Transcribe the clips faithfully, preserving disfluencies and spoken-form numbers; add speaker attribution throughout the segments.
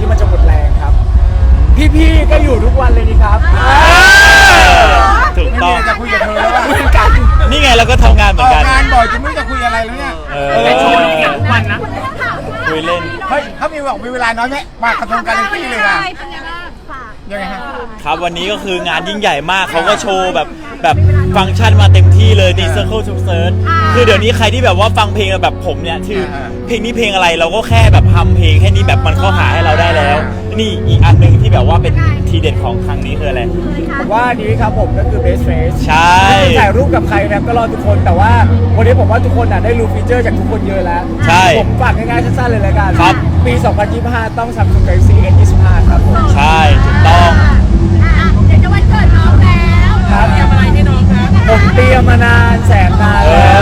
Speaker 1: ที่มันจะหมดแรงครับพี่ๆก็อยู่ทุกวันเลยนี่ครับ
Speaker 2: ถูกต้อง
Speaker 3: จะคุยกับเธอแล้ว
Speaker 1: เหมือนกัน
Speaker 2: นี่ไงเราก็ทำงานเหมื
Speaker 3: อ
Speaker 2: อน
Speaker 3: อก
Speaker 2: กัน
Speaker 3: งานบ่อยจนไม่รู้จะคุยอะไรแล้วเนี่ย
Speaker 2: เออ
Speaker 1: ในช่วงนี้ทุกวันนะ
Speaker 2: คุยเล่น
Speaker 3: เฮ้ยเขามีบอกมีเวลาน้อยไหมมากระทงการเล่นตี้เลยอ่ะ
Speaker 4: เป็นไงบ้างฝาก
Speaker 3: ยังไงฮะ
Speaker 2: ครับวันนี้ก็คืองานยิ่งใหญ่มากเขาก็โชว์แบบแบบฟังก์ชันมาเต็มที่เลยดี Circle to Search คือเดี๋ยวนี้ใครที่แบบว่าฟังเพลงแบบผมเนี่ยชื่อเพลงนี้เพลงอะไรเราก็แค่แบบทำเพลงแค่นี้แบบมันเข้าหาให้เราได้แล้ว นี่อีกอันหนึ่งที่แบบว่าเป็นทีเด็ดของครั้งนี้คืออะไร
Speaker 1: ผมว่าอันนี้ครับผมก็คือ best face
Speaker 2: ใช่
Speaker 1: ถ่ายรูปกับใครนะครับก็รอทุกคนแต่ว่าวันนี้ผมว่าทุกคนน่ะได้รู้ฟีเจอร์จากทุกคนเยอะแล้ว
Speaker 2: ใช่
Speaker 1: ผมฝากง่ายๆสั้นๆเลยละกัน
Speaker 2: ครับ
Speaker 1: ปี สองพันยี่สิบห้า ต้อง Samsung Galaxy เอส ยี่สิบห้า ครับผม
Speaker 2: ใช่ถูกต้อง
Speaker 4: เดี๋ยวจะวันเกิดน้องแล้ว
Speaker 1: ครับ
Speaker 4: เตรียมอะไรให้น้องคะ
Speaker 1: ผมเตรียมมานานแสนนาน
Speaker 2: เอ
Speaker 1: แล้ว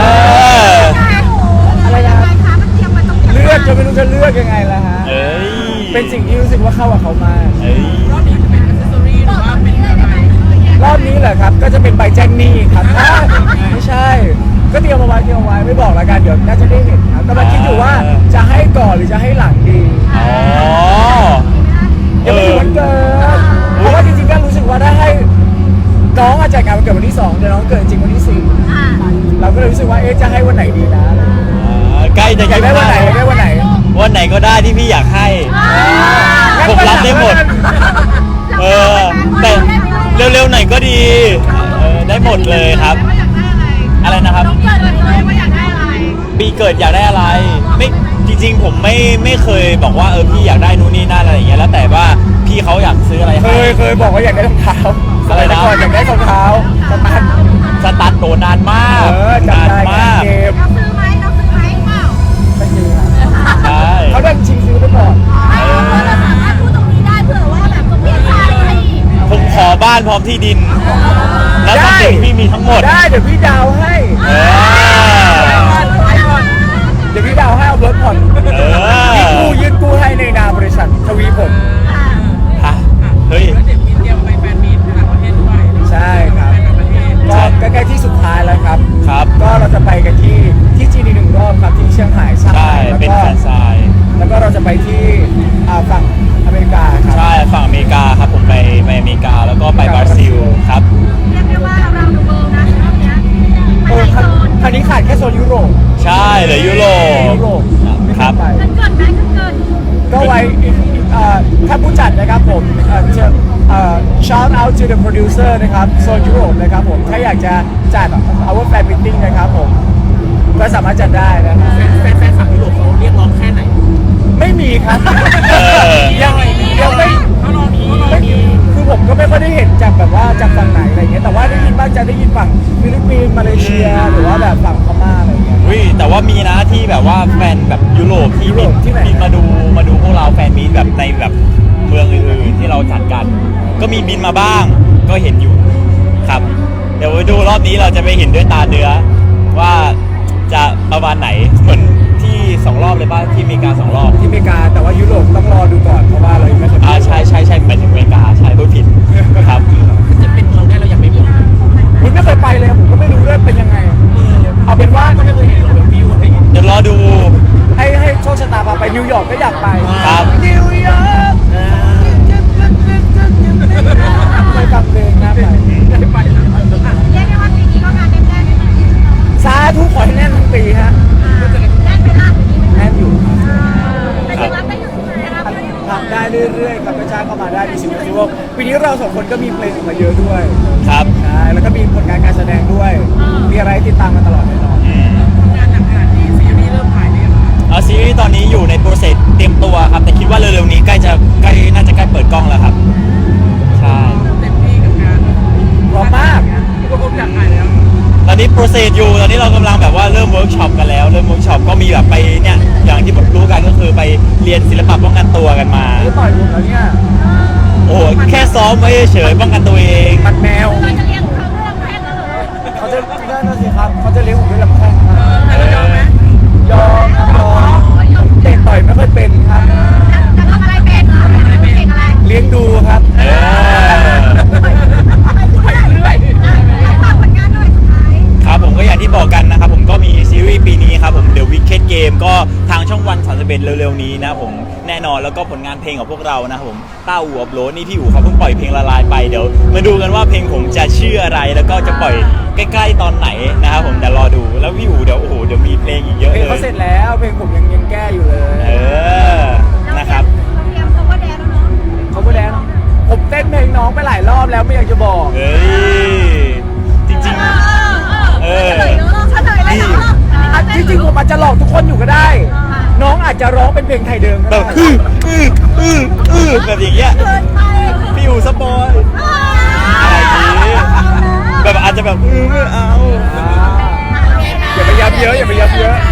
Speaker 4: ออะไรนะคะมันเตรียมมาต้อง
Speaker 1: เลือกจะไม่รู้จะเลือกยังไงล่ะฮะ
Speaker 2: เอ้ย
Speaker 1: เป็นสิ่งที่รู้สึกว่าเข้ากับเขามาก
Speaker 2: เอ้ย
Speaker 4: รอบนี้จะเป็นอัซเซสซอรี่หรือว่าเป็นอะไร
Speaker 1: รอบนี้เหรอครับก็จะเป็นใบแจ้งหนี้ครับอ่าไม่ใช่ ก็เตรียมเอาไว้เตรียมเอาไว้ไม่บอกละกันเดี๋ยวน่าจะได้เห็นครับกำลังคิดอยู่ว่าจะให้ก่อนหรือจะให้หลังดี
Speaker 2: อ๋อ
Speaker 1: ยังไม่ถึงวันเกิดเพราะว่าจริงๆก็รู้สึกว่าถ้าให้น้องอาจจะจัดงานวันเกิดวันที่สองเดี๋ยวน้องเกิดจริงวันที่สี่เราก็เลยรู้สึกว่าเอ๊ะจะให้วันไหนดีนะ
Speaker 2: อ่าใกล้จะ
Speaker 1: อยากได้วันไหนอยากได้วันไหน
Speaker 2: วันไหนก็ได้ที่พี่อยากให้ ผมรับได้หมด เออ แต่เร็วๆหน่อยก็ดี เออ ได้หมดเลยครับ
Speaker 4: ว่าอยากได้อะไร
Speaker 2: อะไรนะครับ
Speaker 4: น้องเกิดเลยว่าอยากได้อะไร
Speaker 2: ปีเกิดอยากได้อะไร ไม่จริงๆ ผมไม่ไม่เคยบอกว่าเออพี่อยากได้นู่นนี่นั่นอะไรอย่างเงี้ยแล้วแต่ว่าพี่เขาอยากซื้ออะไร
Speaker 1: เค
Speaker 2: ให้
Speaker 1: ยเคยบอกว่าอยากได้รองเท้า
Speaker 2: อะไรนะ
Speaker 1: ก่อนอยากได้รองเท้าสตาร์ท
Speaker 2: สตาร์ทโดนนานมาก
Speaker 1: เออจำ
Speaker 2: นาน
Speaker 1: ได้
Speaker 2: มาก
Speaker 1: เกม
Speaker 4: น้องซื้อไหมน้องซื้อไหมเปล่า
Speaker 1: ไม่ซื้อครับ
Speaker 2: ใช่
Speaker 1: เขาดันชิงซื้อไปก่อน
Speaker 4: ไม่เพราะว่าเราสามารถพูดตรงนี้ได้เผื่อว่าแบบจะเปลี่ยนใจให้อีก
Speaker 2: ผมขอบ้านพร้อมที่ดิน แล้วทรัพย์สินพี่มีทั้งหมด
Speaker 1: ได้เดี๋ยวพี่ดาวให้
Speaker 2: เออ
Speaker 1: เดี๋ยวพี่ดาวให้เอารถผ่อน
Speaker 2: เออ
Speaker 1: ยื่นกู้ยื่นกู้ให้ในนามบริษัททวีผล
Speaker 2: ฮะเฮ้ย
Speaker 5: เดี๋ยวมีเตรียมไปแฟนมีตต่างประเทศด้วย
Speaker 1: ใช่ครับ
Speaker 5: ไปต่างประเทศ
Speaker 1: ก็ใกล้ๆที่สุดท้ายแล้วครับ
Speaker 2: ครับ
Speaker 1: ก็เราจะไปกันที่ที่จีนอีกหนึ่งรอบครับที่เชียงราย
Speaker 2: ใช่
Speaker 1: แล้ว
Speaker 2: เป็น
Speaker 1: ก็
Speaker 2: แฟนซาย
Speaker 1: แล้วก็เราจะไปที่อ่าฝั่งอเมริกาครับ
Speaker 2: ใช่ฝั่งอเมริกาครับผมไปไปอเมริกาแล้วก็ไปบราซิลครับ
Speaker 4: เรียกได้ว่าเราดูเบิร์นะรอบเนี้ย
Speaker 1: เอ
Speaker 4: ไม่
Speaker 1: อ
Speaker 4: ใช่
Speaker 1: ครั้ง
Speaker 4: โซน
Speaker 1: ครั้งนี้ขาดแค่โซนยุโรป
Speaker 2: ใช่เหลือยุโรป
Speaker 1: ยุโรปไม่
Speaker 2: ครั
Speaker 1: ได้
Speaker 2: บ
Speaker 1: ไป
Speaker 4: เกินเกินไหมเกินเกิน
Speaker 1: ก็ไว้อีกอีกเอ่อถ้าผู้จัดนะครับผมเอ่อจะเอ่อ shout out to the producer นะครับโซนยุโรปนะครับผมถ้าอยากจะจัด our fan meeting นะครับผมก็สามารถจัดได้นะครับ
Speaker 5: แฟนแฟนฝั่งยุโรปเขาเรียกร้องแค่ไหน
Speaker 1: ไม่มีครับ
Speaker 2: เออ
Speaker 1: ยังยังไม่
Speaker 5: เขารอมี
Speaker 1: ไม่มีคือผมก็ไม่ค่อยได้เห็นจากแบบว่าจากฝั่งไหนอะไรเงี้ยแต่ว่าได้ยินบ้างจะได้ยินฝั่งฟิลิปปินส์มาเลเซียหรือว่าแบบฝั่งพม่าอะไรเงี้ย
Speaker 2: วิแต่ว่ามีนะที่แบบว่าแฟนแบบยุโรปที่
Speaker 1: ยุโร
Speaker 2: บิน
Speaker 1: ปที่ไหน
Speaker 2: บินมาดูมาดูพวกเราแฟนมีตแบบในแบบเมืองอื่นๆที่เราจัดกัน ก็มีบินมาบ้างก็เห็นอยู่ครับ เดี๋ยวไปดูรอบนี้เราจะไปเห็นด้วยตาเนื้อว่าจะประมาณไหนเหมือนที่สองรอบเลยป่ะที่อเมริกาสองรอบ
Speaker 1: ที่อเมริกาแต่ว่ายุโรปต้องรอดูก่อนเพราะว่าเรายังไม่เคยไป
Speaker 2: อ่าใช่ใช่ใช่ไปถึงอเมริกาใช่พูดผิดครับ
Speaker 5: จะเป็นเราได้เราอยากไปหมด
Speaker 1: ผมไม่เคยไปเลยผมก็ไม่รู้ด้วยเป็นยังไง เอาเป็นว่า
Speaker 5: ก็ไม่เคยเห็นเราเป็นวิวอะไรอย่างเงี้ย
Speaker 2: เดี๋ยวรอดู
Speaker 1: ให้ให้โชคชะตาพาไปนิวยอร์กก็อยากไป
Speaker 2: ครับ
Speaker 1: นิวยอร์กเคยฟังเพลงนะไป
Speaker 5: ได้ไปแล้ว
Speaker 4: เรียกได้ว่าปีนี้ก็งานแน่นๆเลยนะ
Speaker 1: สาธุขอให้แน่นทั้งปีฮะ
Speaker 4: แน่นไปละปีนี้
Speaker 1: แน่นอยู่
Speaker 4: แต่ยังรับได้อยู่นะครับ
Speaker 1: ทำได้เรื่อยๆครับกระชากเข้ามาได้มีสิ่งที่ว่าปีนี้เราสองคนก็มีเพลงออกมาเยอะด้วย
Speaker 2: ครับ
Speaker 1: ใช่แล้วก็มีผลงานการแสดงด้วย มีอะไรให้ติดตามกันตลอดแน่นอน
Speaker 2: อืม
Speaker 5: ทำงานหนักขนาดนี้ซีรีส์เริ่มถ่ายได้ยังไง
Speaker 2: เอาซีรีส์ตอนนี้อยู่ในโปรเซสเตรียมตัวครับ แต่คิดว่าเร็วๆนี้ใกล้จะใกล้น่าจะใกล้เปิดกล้องแล้วครับ ใช่
Speaker 5: เต็มที่กับงาน
Speaker 1: พร้อมมาก
Speaker 5: ก็ผมอยากถ่ายแล้ว
Speaker 2: ตอนนี้โปรเซสอยู่ตอนนี้เรากำลังแบบว่าเริ่มเวิร์กช็อปกันแล้วเริ่มเวิร์กช็อปก็มีแบบไปเนี่ยอย่างที่รู้กันก็คือไปเรียนศิลปะป้องกันตัวกันมา
Speaker 1: นี่ต่อยผมแล้วเนี่ย
Speaker 2: โอ้โหแค่ซ้อมไว้เฉยๆป้องกันตัวเอง
Speaker 1: มันแมว
Speaker 4: เราจะเรียกเขาเรื่องแพทย์แล้วเหรอ
Speaker 1: เขาจะได้นะสิครับเขาจะเลี้ยงผมด้วยลำแข้งครับ
Speaker 5: แต่เรายอมไหม
Speaker 1: ยอมยอมเตะต่อยไม่ค่อยเป็นครับ
Speaker 4: จะทำอะไรเป็นทำอะไรเป็นอะไร
Speaker 1: เลี้ยงดูครับ
Speaker 2: เออ
Speaker 4: ไปเรื่อยฝากผลงานหน่อยสุดท้าย
Speaker 2: ครับผมก็อย่างที่บอกกันนะครับผมก็มีซีรีส์ปีนี้ครับผม The Wicked Game ก็ทางช่องวันสามสิบเอ็ดเร็วๆนี้นะผมแน่นอนอนแล้วก็ผลงานเพลงของพวกเรานะครับผมต้าอู่อัพโหลดนี่พี่อู๋เขาเพิ่งปล่อยเพลงละลายไปเดี๋ยวมาดูกันว่าเพลงผมจะชื่ออะไรแล้วก็จะปล่อยใกล้ๆตอนไหนนะครับผมเดี๋ยวรอดูแล้วพี่อู๋เดี๋ยวโอ้โหเดี๋ยวมีเพลงอีกเยอะ
Speaker 1: เพลง
Speaker 2: เล
Speaker 1: เขา
Speaker 2: ย
Speaker 1: เสร็จแล้วเพลงผมยังยังแก้อยู่เลย
Speaker 2: เออนะครับ
Speaker 4: เราเตรียมเขาว่าแดนแล้วเนาะ
Speaker 1: เขาก็แดนผมเต้นเพลงน้องไปหลายรอบแล้วไม่อยากจะบอก
Speaker 2: เฮ้ยจริงๆ
Speaker 4: เออเฉลยเนาะเฉลยเลยเนาะ
Speaker 1: อ่ะจริงๆผมอาจจะหลอกทุกคนอยู่ก็ได้ น้องอาจจะร้องเป็นเพลงไทยเดิม
Speaker 2: แบ
Speaker 1: ก็
Speaker 2: บ
Speaker 1: ได้
Speaker 2: อื้ออื้ออื้ออื้อแบบอย่างเงี้ย
Speaker 4: เกินไป
Speaker 2: พี่อู๋สปอยอะไรอย่างงี้แบบอาจจะแบบอื้อไม่เอา
Speaker 1: อ่าอย่าไปย้ำเยอะอย่าไปย้ำเยอะ
Speaker 4: ใช่